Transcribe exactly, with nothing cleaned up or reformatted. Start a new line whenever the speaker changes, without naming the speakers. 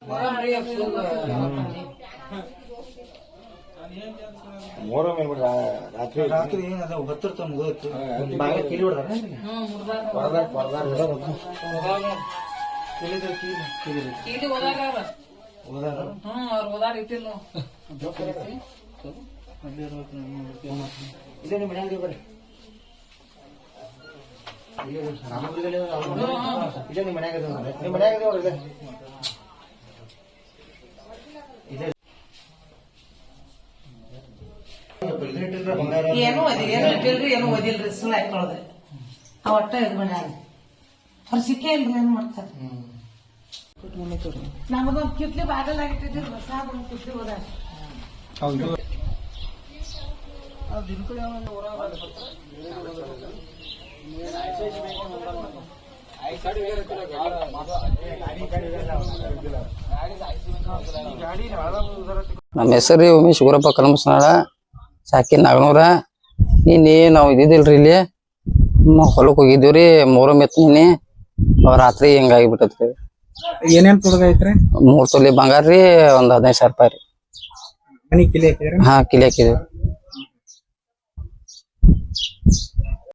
ಮೂರ ಮೇಲೆ ರಾತ್ರಿ ರಾತ್ರಿ ಅದ ಹತ್ತಿರ ಮುಗಿತು ಬಾಗಿಲು ಕಿಲಿ ಹೊಡೆದಾರ ಇದೇ ನಿಮ್ಮ ಮನ್ಯಾಗ ಬರ್ರಿ ಇದೇ ನಿಮ್ಮ ಮನ್ಯಾಗ ನಿಮ್ಮ ಮನ್ಯಾಗ
ಏನು ಓದಿಲ್ಲ ಏನು ಇಟ್ಟಿಲ್ರಿ ಏನು ಓದಿಲ್ರಿ ಸುಳ್ಳು ಹಾಕೊಳ್ಳೋದ್ರಿ ಅವ ಒಟ್ಟ ಇದು ಮನ್ಯಾಗ ಅವ್ರು ಸಿಕ್ಕೇ ಇಲ್ರಿ ಏನ್ ಮಾಡ್ತಾರ ನಮಗೊಂದು ಕಿತ್ಲಿ ಬಾಗಲ್ ಆಗಿಟ್ಟಿದ್ರಿ ಹೊಸ ಕಿತ್ಲಿ ಹೋದ
ನಮ್ಮ ಹೆಸರು ಉಮೇಶ್ ಗುರಪ್ಪ ಕಲ್ಮಸನಾಳ ಸಾಕಿ ನಾಗನೂರ ನೀನಿ ನಾವು ಇದ್ದಿದ್ದಿಲ್ರಿ ಇಲ್ಲಿ ಹೊಲಕ್ ಹೋಗಿದ್ದೀವ್ರಿ ಮೂರ ಮೆತ್ನಿ ರಾತ್ರಿ ಹಿಂಗಾಗಿಬಿಟ್ಟತ್ರಿ.
ಏನೇನ್ ತೊಡಗ ಐತ್ರಿ?
ಮೂರ್ ತೊಲಿ ಬಂಗಾರ ರೀ ಒಂದ್ ಹದಿನೈದು ಸಾವಿರ ರೂಪಾಯಿ ರೀ.
ಮನಿ ಕಿಲಿ ಹಾಕಿದ್ರಿ?
ಹಾ ಕಿಲಿ ಹಾಕಿದ್ವಿ.